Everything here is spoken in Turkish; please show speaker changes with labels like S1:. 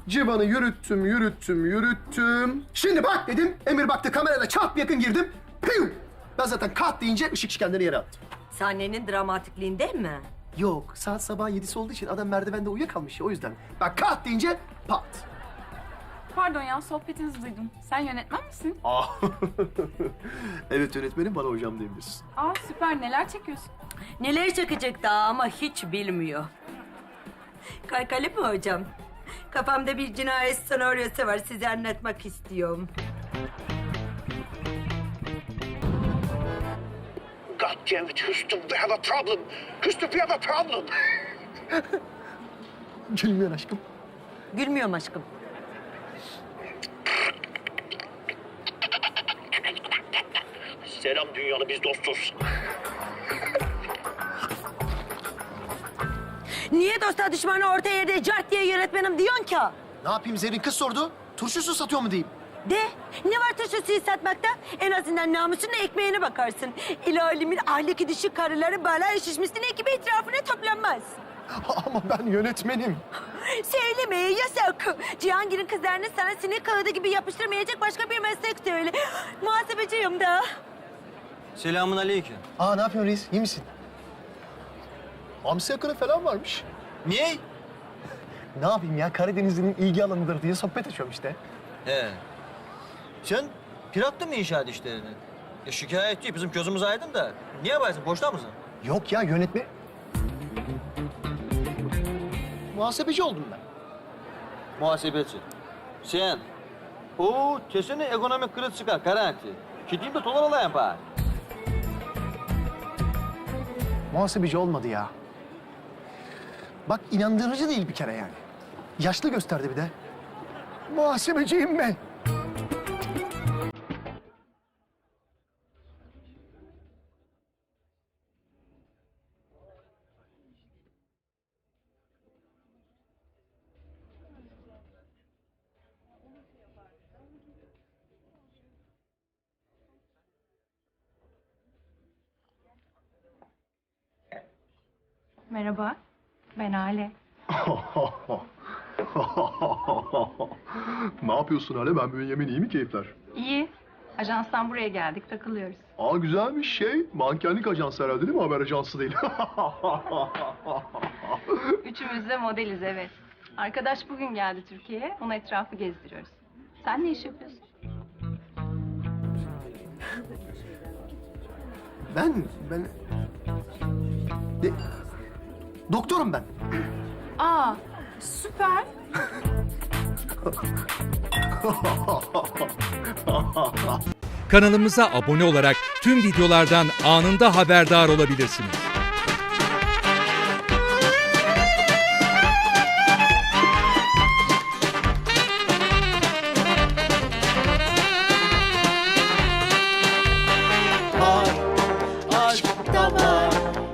S1: Civan'ı yürüttüm. Şimdi bak dedim. Emir baktı, kamerada çat yakın girdim. Piyum! Ben zaten kat deyince ışık kendini yere attı.
S2: Sahnenin dramatikliğinden mi?
S1: Yok, saat sabah 7'si olduğu için adam merdivende uyuyakalmış ya, o yüzden. Bak kat deyince pat.
S3: Pardon ya, sohbetinizi duydum. Sen yönetmen misin?
S1: Evet yönetmenim, bana hocam diyebilirsin.
S3: Aa süper, neler çekiyorsun?
S2: Neler çakacak daha ama hiç bilmiyor. Kaykali mi hocam? Kafamda bir cinayet senaryosu var, size anlatmak istiyorum.
S4: God damn it, Houston, we have a problem. Houston, we have a problem.
S1: Gülmüyor aşkım.
S2: Gülmüyorum aşkım.
S4: Selam dünyalı, biz dostuz.
S2: Niye dosta düşmanı orta yerde cart diye yönetmenim diyorsun ki?
S1: Ne yapayım, Zerrin kız sordu. Turşusu satıyor mu diyeyim.
S2: De, ne var turşusuyu satmakta? En azından namusunla ekmeğine bakarsın. İlalimin ahlaki düşük karıları bala şişmesine ekibi etrafına toplanmaz.
S1: Ama ben yönetmenim.
S2: Söylemeye yasak. Cihangir'in kızlarını sana sinek kağıdı gibi yapıştırmayacak başka bir meslek söyle. Muhasebeciyim da.
S5: Selamun aleyküm.
S1: Ne yapıyorsun reis, iyi misin? Hamsi yakını falan varmış.
S5: Niye?
S1: Ne yapayım ya, Karadenizli'nin ilgi alanıdır diye sohbet açıyorum işte.
S5: He. Sen pirattın mı inşaat işlerini? Şikayet değil, bizim gözümüz aydın da. Niye yaparsın, boşta mısın?
S1: Yok ya, yönetmen... Muhasebeci oldum ben.
S5: Muhasebeci. Sen. Oo, kesin ekonomik kriz çıkar, garanti. Gideyim de dolar alayım bari.
S1: Muhasebeci olmadı ya. Bak inandırıcı değil bir kere yani. Yaşlı gösterdi bir de. Muhasebeciyim ben.
S3: Merhaba, ben Ale.
S6: Ne yapıyorsun Hale? Ben Bünyamin, iyi mi keyifler?
S3: İyi. Ajanstan buraya geldik, takılıyoruz.
S6: Güzelmiş şey. Mankenlik ajansı herhalde değil mi? Haber ajansı değil.
S3: Üçümüz de modeliz, evet. Arkadaş bugün geldi Türkiye'ye, ona etrafı gezdiriyoruz. Sen ne iş yapıyorsun?
S1: Ben... Doktorum ben.
S3: Aa, süper.
S7: Kanalımıza abone olarak tüm videolardan anında haberdar olabilirsiniz.